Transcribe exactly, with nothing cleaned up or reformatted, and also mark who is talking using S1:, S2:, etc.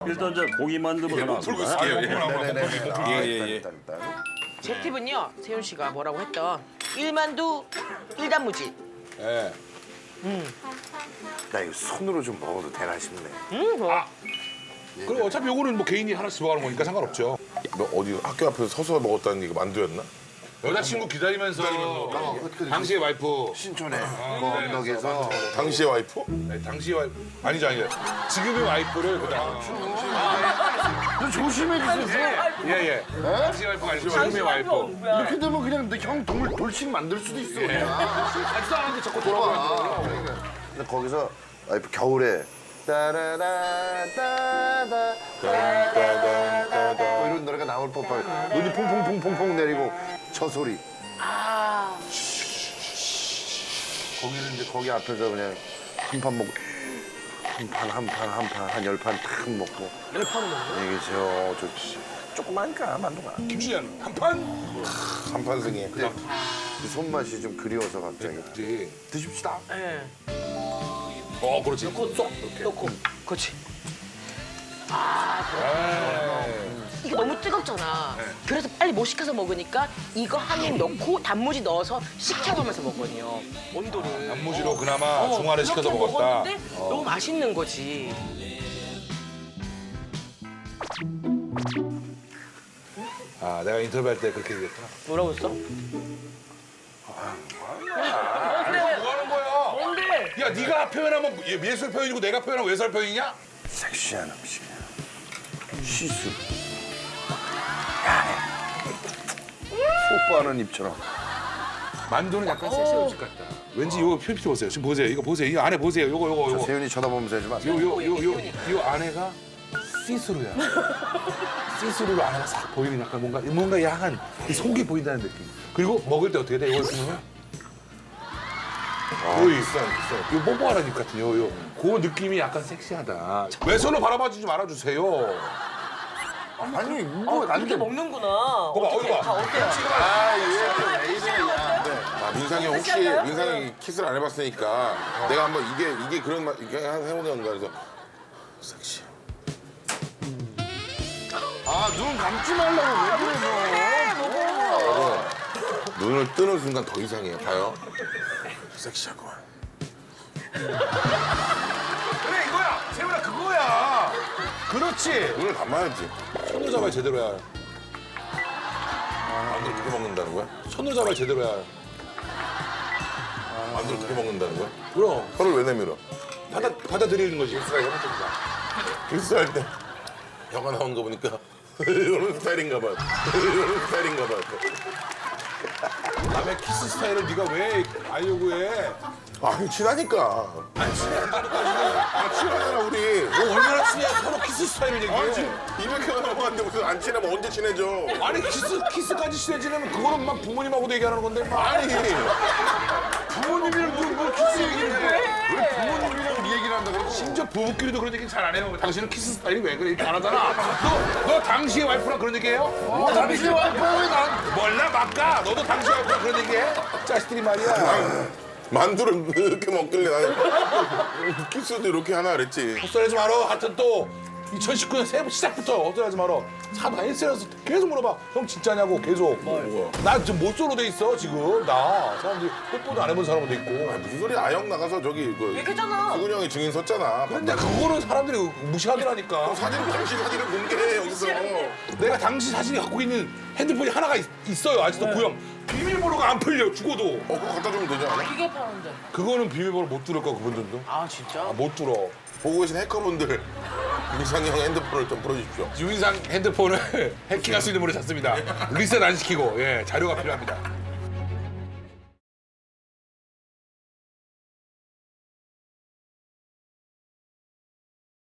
S1: 일단 저 고기 만두부터
S2: 예, 풀고 있을게요. 예.
S3: 네네네.
S2: 예, 예, 예.
S3: 일단 일단.
S4: 제 팁은요, 세윤 씨가 뭐라고 했던 일만두 일단무지.
S2: 예.
S3: 나 이거 손으로 좀 먹어도 되나 싶네.
S4: 음, 좋아.
S2: 그럼 어차피 요거는 뭐 개인이 하나씩 먹어가는 거니까 상관없죠.
S5: 너 어디 학교 앞에서 서서 먹었다는 게 만두였나?
S2: 여자친구 기다리면서, 당시의 와이프.
S3: 신촌에 건너에서
S5: 당시의 와이프?
S2: 네, 당시의 와이프. 아니죠, 아니죠. 지금의 와이프를 그다음.
S3: 조심해 주세요.
S2: 예, 예. 당시의 와이프가 아니고 지금의 와이프.
S3: 이렇게 되면 그냥 형 동물 돌식 만들 수도 있어. 그냥.
S2: 가지도 않았는데 자꾸 돌아보고
S3: 근데 거기서 와이프 겨울에 따라라 따다 따다다다 뭐 이런 노래가 나올 법한 눈이 퐁퐁퐁퐁퐁 내리고 저 소리. 거기는 이제 거기 앞에서 그냥 한 판 먹고 한 판 한 판 한 판 한 열 판 탁 먹고
S4: 열 판 먹어.
S3: 이게 저 좋지. 조그마니까 만두가
S2: 김수현 한 판?
S5: 한판승에.
S3: 그 손맛이 좀 그리워서 갑자기
S2: 그렇지.
S3: 드십시다.
S4: 예.
S2: 어, 그렇지. 쏙 이렇게.
S4: 넣고. 그렇지.
S2: 에이.
S4: 이게 너무 뜨겁잖아. 그래서 빨리 못 식혀서 먹으니까 이거 한 입 넣고 단무지 넣어서 식혀가면서 먹거든요. 온도를.
S2: 단무지로 그나마
S4: 어,
S2: 중화를 시켜서
S4: 그렇게
S2: 먹었다.
S4: 먹었는데 너무 맛있는 거지.
S2: 아, 내가 인터뷰할 때 그렇게 얘기했구나.
S4: 뭐라고 했어?
S2: 뭐 하는 거야?
S4: 뭔데?
S2: 야, 네가 표현하면 예- 예술 표현이고 내가 표현하면 외설 표현이냐?
S3: 섹시한 음식이야. 시수. 뽀뽀하는 입처럼.
S2: 만두는 약간 섹시 음식 같다. 왠지 이거 표피 보세요. 지금 보세요. 이거 보세요. 이거 안에 보세요. 이거 이거
S3: 저
S2: 이거.
S3: 세윤이 쳐다보면서 해주면 안 돼.
S2: 요요요요 요 안에가 시스루야. 시스루로 안에가 싹 보이는 약간 뭔가 뭔가 야한 이 속이 보인다는 느낌. 그리고 먹을 때 어떻게 돼? 이걸 보면 오이
S5: 비싼 비싼.
S2: 요 뽀뽀하는 입 같은 요 요. 그 느낌이 약간 섹시하다. 왼손으로 바라봐주지 말아주세요.
S3: 아니 이거 안
S4: 이렇게
S3: 돼.
S4: 먹는구나.
S2: 봐봐, 어디 봐.
S4: 다 어때요?
S5: 아, 민상이 혹시 민상이 키스를 안 해봤으니까 내가 한번 이게 이게 그런 맛 이게 해보는 건가 그래서 섹시.
S3: 아눈 감지 말라고 왜 그래 너.
S5: 눈을 뜨는 순간 더 이상해요. 봐요. 섹시하구만.
S2: 그래 이거야. 세훈아 그거야. 그렇지.
S5: 눈을 감아야지.
S2: 손으로 잡아야 제대로 해야.
S5: 만두를 그렇게 먹는다는 거야?
S2: 손으로 잡아야 제대로 해야.
S5: 만두를 그렇게 먹는다는 거야?
S2: 그럼
S5: 혀를 왜 내밀어?
S2: 받아 받아들이는 거지.
S5: 키스할 때 혀가 나오는 거 보니까 이런 스타일인가 봐. 이런 스타일인가 봐.
S2: 남의 키스 스타일을 네가 왜 알려고 해?
S5: 아, 친하니까.
S2: 안 친해.
S5: 아, 친하잖아, 우리.
S2: 너 얼마나 친해? 서로 키스 스타일을 얘기해.
S5: 아, 지금 이백 회가 넘어갔는데 무슨 안 친하면 언제 친해져?
S2: 아니 키스 키스까지 친해지려면 그거는 막 부모님하고도 얘기하는 건데 막.
S5: 아니.
S2: 부모님이랑 뭐, 뭐 키스 얘기를 해?
S3: 왜 부모님이랑 이 얘기를 한다 그러고.
S2: 심지어 부부끼리도 그런 얘기 잘 안 해요. 당신은 키스 스타일이 왜 그래? 이렇게 안 하잖아. 너, 너 당시의 와이프랑 그런 얘기 해요?
S3: 어, 당신 와이프가 왜 난?
S2: 몰라 막가. 너도 당시의 와이프랑 그런 얘기 해? 자식들이 말이야.
S5: 만두를 이렇게 먹길래 나는 키스도 이렇게 하나 그랬지.
S2: 헛소리하지 마라. 하여튼 또 이천십구 년 새해 시작부터 헛소리하지 마라. 사다 에스엔에스 계속 물어봐. 형 진짜냐고 계속. 나 지금 못소로 돼 있어 지금. 나 사람들이 뽀뽀도 안 해본 사람도 있고.
S5: 무슨 소리야? 아영 나가서 저기 그
S4: 얘기했잖아.
S5: 수근이 형이 증인 섰잖아.
S2: 근데 그거는 사람들이 무시하더라니까.
S5: 사진 당시 사진을 공개해 여기서.
S2: 내가 당시 사진이 갖고 있는 핸드폰이 하나가 있, 있어요. 아직도 구형. 비밀번호가 안 풀려 죽어도.
S5: 어, 그거 갖다 주면 되지 않아?
S4: 기계 파는데.
S2: 그거는 비밀번호 못 뚫을 거 그분들도.
S4: 아 진짜?
S2: 아, 못 뚫어.
S5: 보고 계신 해커분들 민상이 형 핸드폰을 좀 풀어주십시오.
S2: 유인상 핸드폰을 해킹할 수 있는 분을 찾습니다. 리셋 안 시키고 예 자료가 필요합니다.